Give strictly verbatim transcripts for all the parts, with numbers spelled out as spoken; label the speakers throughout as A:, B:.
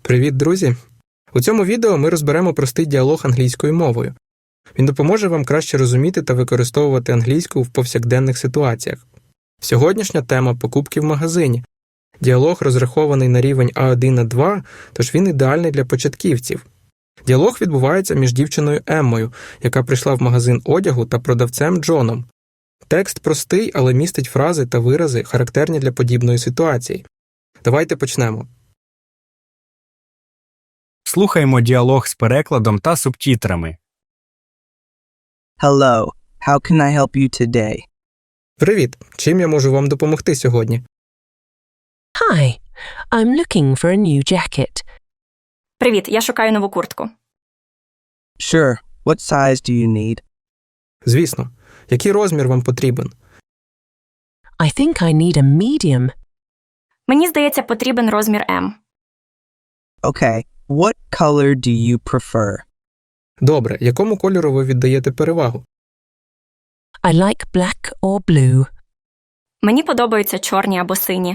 A: Привіт, друзі! У цьому відео ми розберемо простий діалог англійською мовою. Він допоможе вам краще розуміти та використовувати англійську в повсякденних ситуаціях. Сьогоднішня тема – покупки в магазині. Діалог розрахований на рівень а один а два, тож він ідеальний для початківців. Діалог відбувається між дівчиною Еммою, яка прийшла в магазин одягу, та продавцем Джоном. Текст простий, але містить фрази та вирази, характерні для подібної ситуації. Давайте почнемо.
B: Слухаймо діалог з перекладом та субтитрами.
C: Hello, how can I help you today?
A: Привіт! Чим я можу вам допомогти сьогодні?
D: Hi, I'm looking for a new jacket.
E: Привіт, я шукаю нову куртку.
C: Sure, what size do you need?
A: Звісно. Який розмір вам потрібен?
D: I think I need a medium.
E: Мені здається, потрібен розмір М.
C: Okay, what color do you prefer?
A: Добре, якому кольору ви віддаєте перевагу?
D: I like black or blue.
E: Мені подобаються чорні або сині.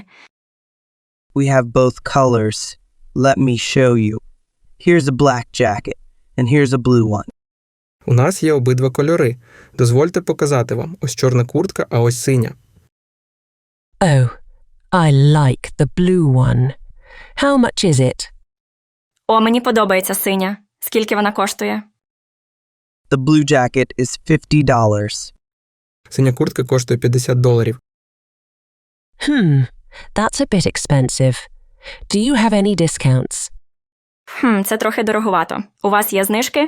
C: We have both colors. Let me show you. Here's a black jacket, and here's a blue one.
A: У нас є обидва кольори. Дозвольте показати вам. Ось чорна куртка, а ось синя.
D: Oh, I like the blue one. How much is it?
E: О, мені подобається синя. Скільки вона коштує?
C: The blue jacket is fifty dollars.
A: Синя куртка коштує п'ятдесят доларів.
D: Hmm, that's a bit expensive. Do you have any discounts?
E: Хм, це трохи дороговато. У вас є знижки?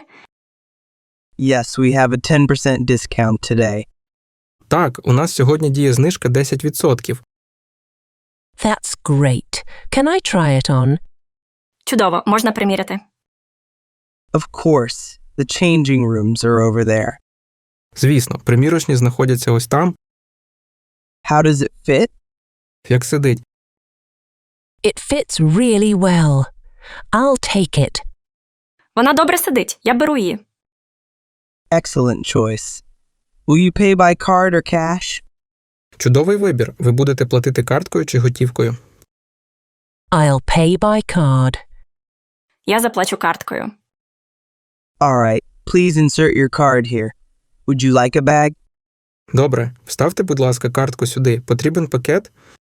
C: Yes, we have a ten percent discount today.
A: Так, у нас сьогодні діє знижка десять відсотків.
D: That's great. Can I try it on?
E: Чудово, можна приміряти.
C: Of course, the changing rooms are over there.
A: Звісно, примірочні знаходяться ось там.
C: How does it fit?
A: Як сидить.
D: It fits really well. I'll take it.
E: Вона добре сидить. Я беру її.
C: Excellent choice. Will you pay by card or cash?
A: Чудовий вибір. Ви будете платити карткою чи готівкою?
D: I'll pay by card.
E: Я заплачу карткою.
C: All right, please insert your card here. Would you like a bag?
A: Добре. Вставте, будь ласка, картку сюди. Потрібен пакет?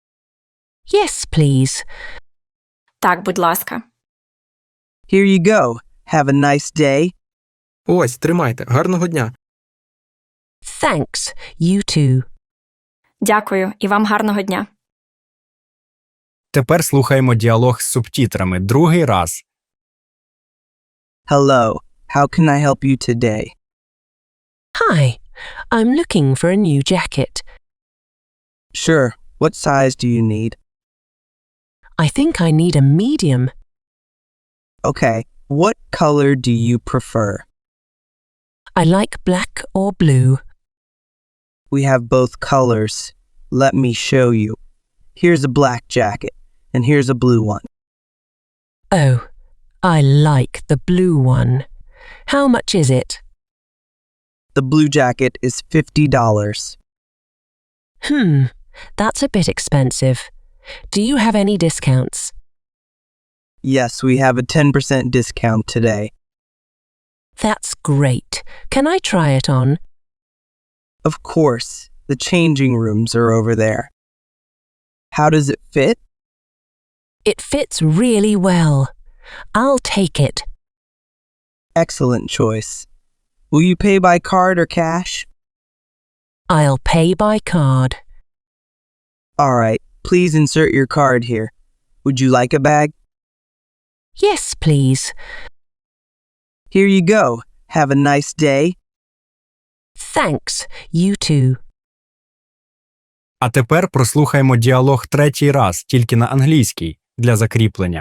D: Yes, please.
E: Так, будь ласка.
C: Here you go. Have a nice day.
A: Ось, тримайте. Гарного дня.
D: Thanks. You too.
E: Дякую, і вам гарного дня.
B: Тепер слухаймо діалог з субтитрами другий раз.
C: Hello, how can I help you today?
D: Hi, I'm looking for a new jacket.
C: Sure, what size do you need?
D: I think I need a medium.
C: Okay, what color do you prefer?
D: I like black or blue.
C: We have both colors. Let me show you. Here's a black jacket, and here's a blue one.
D: Oh, I like the blue one. How much is it?
C: The blue jacket is fifty dollars.
D: Hmm, that's a bit expensive. Do you have any discounts?
C: Yes, we have a ten percent discount today.
D: That's great. Can I try it on?
C: Of course, the changing rooms are over there. How does it fit?
D: It fits really well. I'll take it.
C: Excellent choice. Will you pay by card or cash?
D: I'll pay by card.
C: All right, please insert your card here. Would you like a bag?
D: Yes, please.
C: Here you go. Have a nice day.
D: Thanks. You too.
B: А тепер прослухаймо діалог третій раз, тільки на англійській, для закріплення.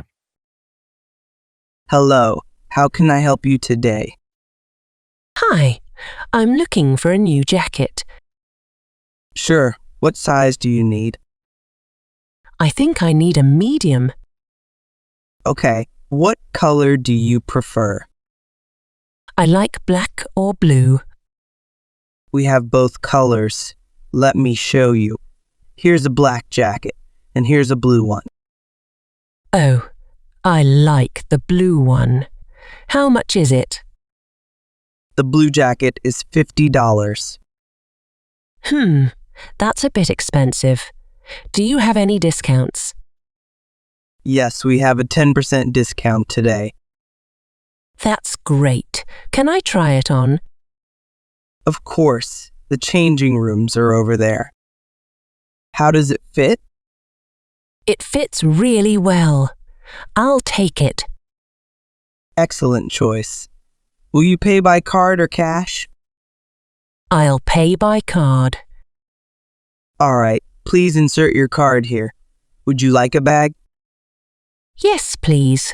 C: Hello, how can I help you today?
D: Hi, I'm looking for a new jacket.
C: Sure, what size do you need?
D: I think I need a medium.
C: Okay, what color do you prefer?
D: I like black or blue.
C: We have both colors. Let me show you. Here's a black jacket, and here's a blue one.
D: Oh, I like the blue one. How much is it?
C: The blue jacket is fifty dollars.
D: Hmm, that's a bit expensive. Do you have any discounts?
C: Yes, we have a ten percent discount today.
D: That's great. Can I try it on?
C: Of course, the changing rooms are over there. How does it fit?
D: It fits really well. I'll take it.
C: Excellent choice. Will you pay by card or cash?
D: I'll pay by card.
C: All right, please insert your card here. Would you like a bag?
D: Yes, please.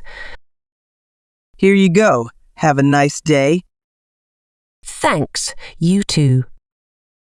C: Here you go. Have a nice day.
D: Thanks. You too.